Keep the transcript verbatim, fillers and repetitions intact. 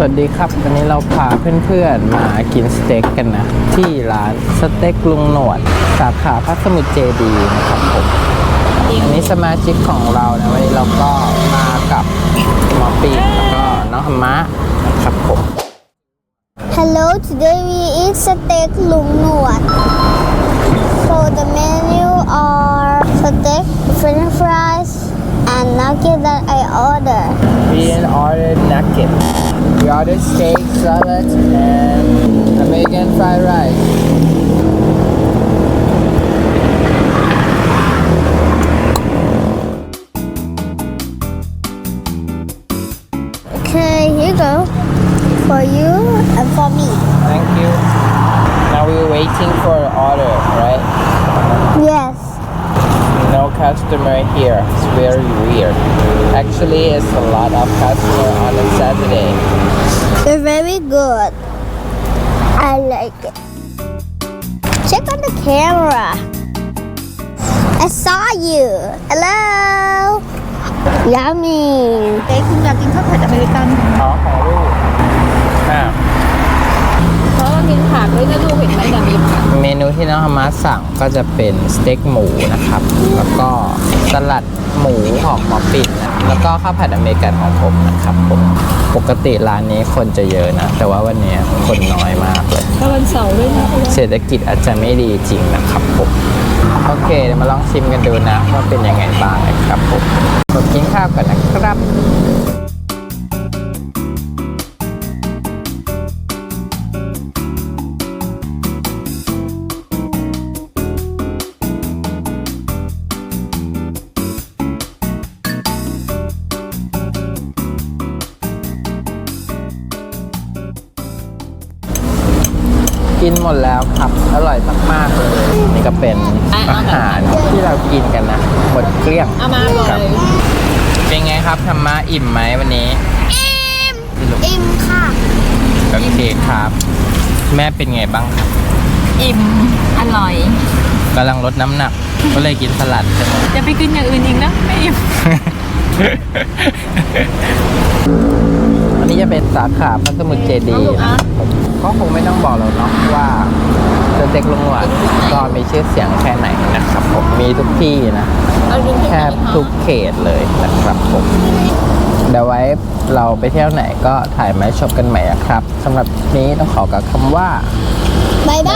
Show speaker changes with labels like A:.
A: วัสดีครับวันนี้เราพาเพื่อนๆมากินสเต็กกันนะที่ร้านสเต็กลุงหนวดสาขาพระสมุทรเจดีย์นะครับผมอันนี้สมาชิกของเรานะวันนี้เราก็มากับหมอปีแล้วก็น้องธรรมะนะครับผม
B: Hello, today we eat steak Lung Nuat. So the menu are steak, french fries, and nugget that I ordered.
A: We ordered nugget. We ordered steak, salad, and American fried rice.
B: Okay, here you go. For you and for me.
A: Thank you. Now we're waiting for the order, right?
B: Yes.
A: No customer here. It's very weird. Actually, it's a lot of customer on a Saturday.
B: They're very good. I like it. Check on the camera. I saw you. Hello. Yummy.
C: เอ๊ะคุณอยากกินข้าวผัดอเมริกัน
A: อ๋อของลูกอ่า
C: เพราะว่ากินผักด้วยนะลูกเห็นไหมแต่มีผัก
A: เมนูที่น้องฮามาสั่งก็จะเป็นสเต็กหมูนะครับ แล้วก็สลัดหมูของหมอปิ่นนะแล้วก็ข้าวผัดอเมริกันของผมนะครับผมปกติร้านนี้คนจะเยอะนะ แต่ว่าวันนี้คนน้อยมากเลย
C: ก็วันเสาร์ด้วยนะ
A: เศรษฐกิจอาจจะไม่ดีจริงนะครับผมโอเคเดี๋ยวมาลองชิมกันดูนะว่าเป็นยังไงบ้างนะครับผมกดกินข้าวกันนะครับ กินหมดแล้วครับอร่อยมากๆเลยนี่ก็เป็นอาหารที่เรากินกันนะหมดเกลี้ยง
C: เอามาเล
A: ครับ
C: ย
A: เป็นไงครับธรรมะอิ่มไหมวันนี้
B: อิ่ม อิ่มค่ะ
A: โอเคครับ แม่เป็นไงบ้างครับ
C: อิ่มอร่อย
A: กำลังลดน้ำหนัก ก็เลยกินสลัดใช่ไหม
C: จะไปกินอย่างอื่นอีกนะไม่อิ่ม
A: อันนี้จะเป็นสาขาพระสมุทรเจดีย์นะก็คงไม่ต้องบอกเราเนาะว่าสเต็กลุงหนวดก็มีชื่อเสียงแค่ไหนนะครับผมมีทุกที่นะ
C: เอาลิ้น
A: แทบทุกเขตเลยนะครับผมเดี๋ยวไว้เราไปเที่ยวไหนก็ถ่ายมาให้ชมกันใหม่นะครับสำหรับนี้ต้องขอกับคำว่า
B: บ๊าย